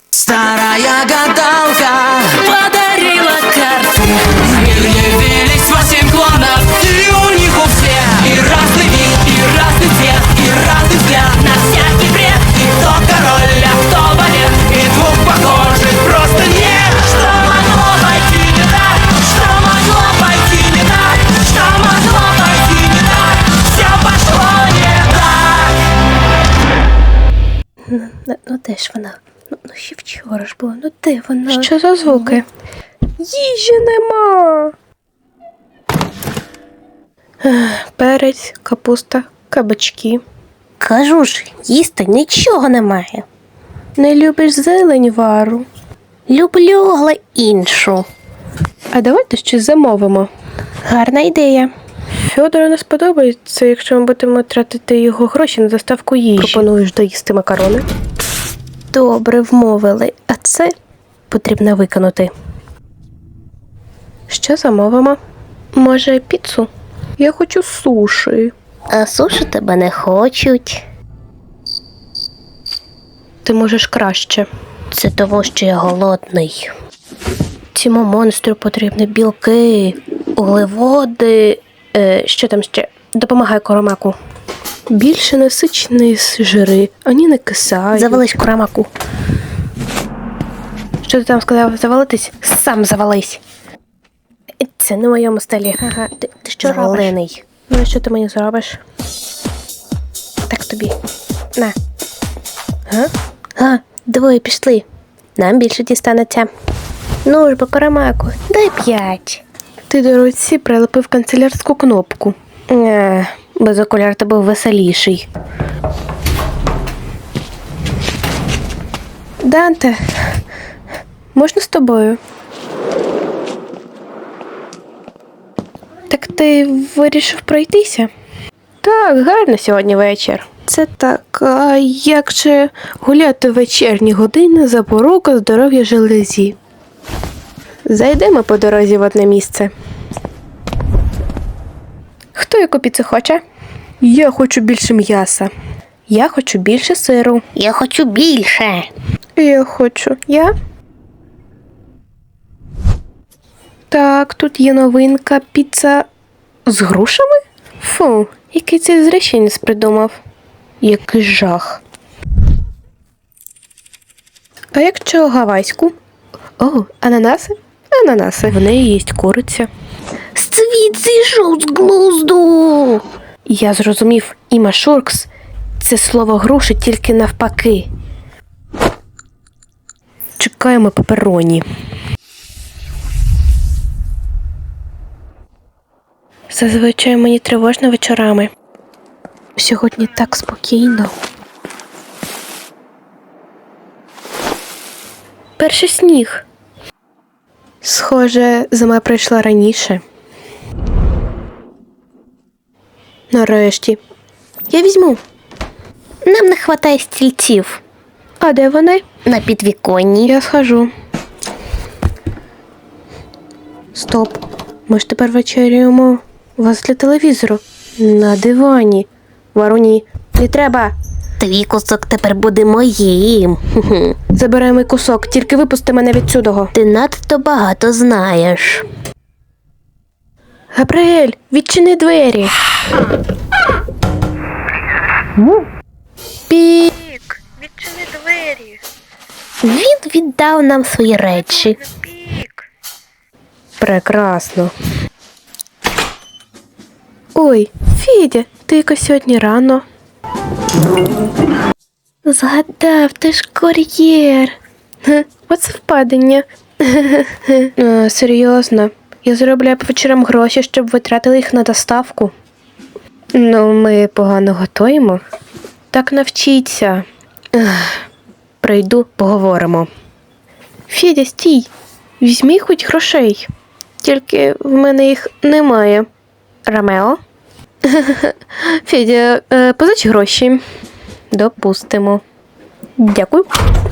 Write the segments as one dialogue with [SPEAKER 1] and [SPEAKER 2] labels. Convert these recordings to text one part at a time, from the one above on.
[SPEAKER 1] Старая гадалка подарила карты. В мир явились 8 клонов, и у них у всех и разный вид, и разный цвет, и разный взгляд на всякий бред. И кто король, а кто балет, и двух похожих просто нет. Что могло пойти не так? Что могло пойти не так? Что могло пойти не так? Все пошло не так.
[SPEAKER 2] Ну де ж вона? Ну ще вчора ж було, ну де вона?
[SPEAKER 3] Що за звуки?
[SPEAKER 2] Їжі нема!
[SPEAKER 3] Перець, капуста, кабачки.
[SPEAKER 2] Кажу ж, їсти нічого немає.
[SPEAKER 3] Не любиш зелень, Вару?
[SPEAKER 2] Люблю, але іншу.
[SPEAKER 3] А давайте щось замовимо.
[SPEAKER 2] Гарна ідея.
[SPEAKER 3] Фьодору не сподобається, якщо ми будемо тратити його гроші на доставку їжі. Пропонуєш доїсти макарони?
[SPEAKER 2] Добре, вмовили. А це потрібно виконати.
[SPEAKER 3] Що замовимо? Може, піцу? Я хочу суші.
[SPEAKER 2] А суші тебе не хочуть.
[SPEAKER 3] Ти можеш краще.
[SPEAKER 2] Це тому, що я голодний.
[SPEAKER 3] Цьому монстру потрібні білки, углеводи, що там ще? Допомагай Коромаку. Більше насичені жири, ані не кисають.
[SPEAKER 2] Завались Коромаку.
[SPEAKER 3] Що ти там сказав? Завалитись? Сам завались. Це не в моєму стилі. Ага, ти що робиш?
[SPEAKER 2] Зелений.
[SPEAKER 3] Ну, і що ти мені зробиш? Так тобі. На.
[SPEAKER 2] Двоє пішли. Нам більше дістанеться. Ну ж бо, Коромаку, дай 5.
[SPEAKER 3] Ти до руці прилепив канцелярську кнопку.
[SPEAKER 2] Без окуляр ти був веселіший.
[SPEAKER 3] Данте, можна з тобою? Так ти вирішив пройтися? Так, гарно сьогодні вечір. Це так, а як же гуляти в вечірні години запорука здоров'я железі? Зайдемо по дорозі в одне місце. Хто яку піцу хоче? Я хочу більше м'яса. Я хочу більше сиру.
[SPEAKER 2] Я хочу більше.
[SPEAKER 3] Я хочу. Я? Так, тут є новинка піца з грушами? Фу, який цей зреченець придумав. Який жах. А якщо гавайську? О, ананаси? Ананаси. В неї є куриця.
[SPEAKER 2] Світ зійшов з глузду.
[SPEAKER 3] Я зрозумів, імашуркс – це слово груші тільки навпаки. Чекаємо пепероні. Зазвичай мені тривожно вечорами. Сьогодні так спокійно. Перший сніг. Схоже, зима прийшла раніше. Нарешті. Я візьму.
[SPEAKER 2] Нам не хватає стільців.
[SPEAKER 3] А де вони?
[SPEAKER 2] На підвіконні.
[SPEAKER 3] Я схожу. Стоп. Ми ж тепер вечеряємо возле телевізору. На дивані. Варуні, не треба.
[SPEAKER 2] Твій кусок тепер буде моїм.
[SPEAKER 3] Забирай мій кусок, тільки випусти мене від цього.
[SPEAKER 2] Ти надто багато знаєш.
[SPEAKER 3] Габриель, відчини двері. Пік, відчини двері.
[SPEAKER 2] Він віддав нам свої речі.
[SPEAKER 3] Пік. Прекрасно. Ой, Федя, ти якось сьогодні рано. Згадав, ти ж кур'єр. Оце впадення. Серйозно. Я заробляю по вечорам гроші, щоб витратили їх на доставку. Ну, ми погано готуємо. Так навчіться. Прийду, поговоримо. Федя, стій. Візьми хоч грошей. Тільки в мене їх немає. Ромео? Федя, позич гроші. Допустимо. Дякую.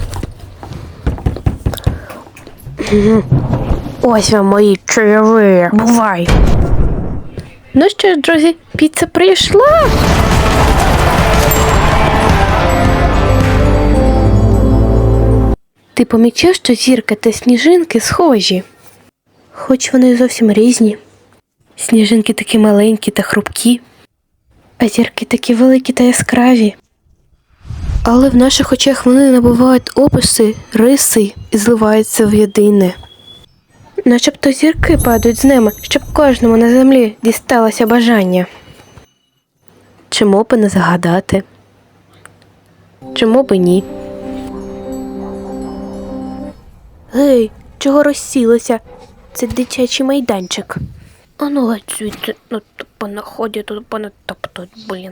[SPEAKER 3] Ось вам мої чаєві. Бувай. Ну що ж, друзі, піца прийшла. Ти помічав, що зірка та сніжинки схожі? Хоч вони зовсім різні. Сніжинки такі маленькі та хрупкі, а зірки такі великі та яскраві. Але в наших очах вони набувають описи, риси і зливаються в єдине. Начебто зірки падають з неба, щоб кожному на землі дісталося бажання. Чому би не загадати? Чому би ні? Гей, чого розсілося? Це дитячий майданчик. Ану геть звідси, ну тупо находять, тупо натоптують, блін.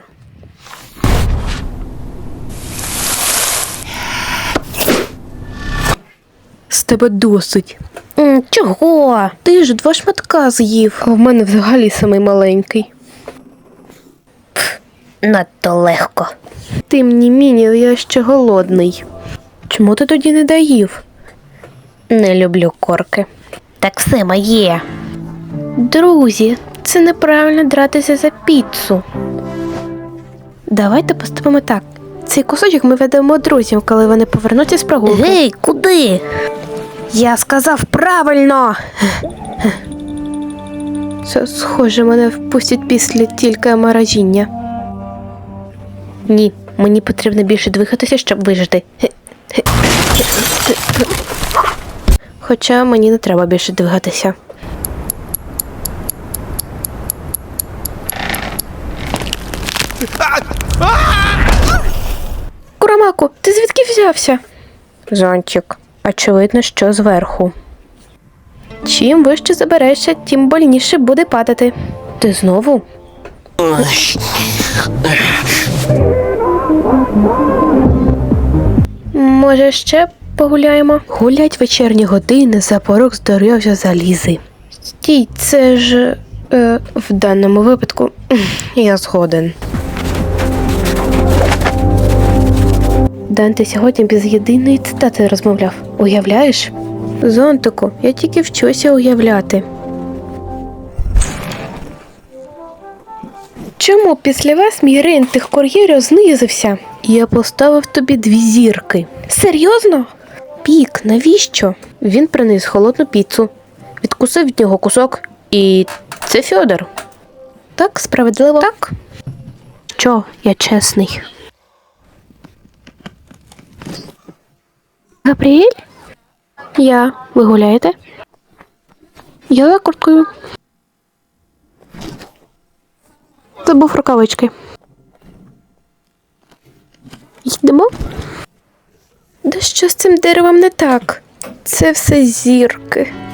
[SPEAKER 3] З тебе досить. Чого? Ти ж 2 шматка з'їв. А в мене взагалі самий маленький.
[SPEAKER 2] Надто легко.
[SPEAKER 3] Ти мені міні, я ще голодний. Чому ти тоді не доїв?
[SPEAKER 2] Не люблю корки. Так все моє.
[SPEAKER 3] Друзі, це неправильно дратися за піцу. Давайте поступимо так. Цей кусочок ми ведемо друзям, коли вони повернуться з прогулки.
[SPEAKER 2] Гей, куди?
[SPEAKER 3] Я сказав правильно! Це, схоже, мене впустять після тільки морозіння. Ні, мені потрібно більше двигатися, щоб вижити. Хоча мені не треба більше двигатися. Курамаку, ти звідки взявся? Зонтик, очевидно, що зверху. Чим вище заберешся, тим больніше буде падати. Ти знову? Може, ще погуляємо? Гулять вечірні години, за порог здоров'я залізи. Стій, це ж... в даному випадку я згоден. Данте сьогодні без єдиної цитати розмовляв. Уявляєш? Зонтику, я тільки вчуся уявляти. Чому після вас мій рейтинг тих кур'єрів знизився? Я поставив тобі 2 зірки. Серйозно? Пік, навіщо? Він приніс холодну піцу, відкусив від нього кусок, і це Фьодор. Так, справедливо? Так. Що, я чесний. Габріель? Ви гуляєте? Я за курткою. Забув рукавички. Йдемо? Да що з цим деревом не так? Це все зірки.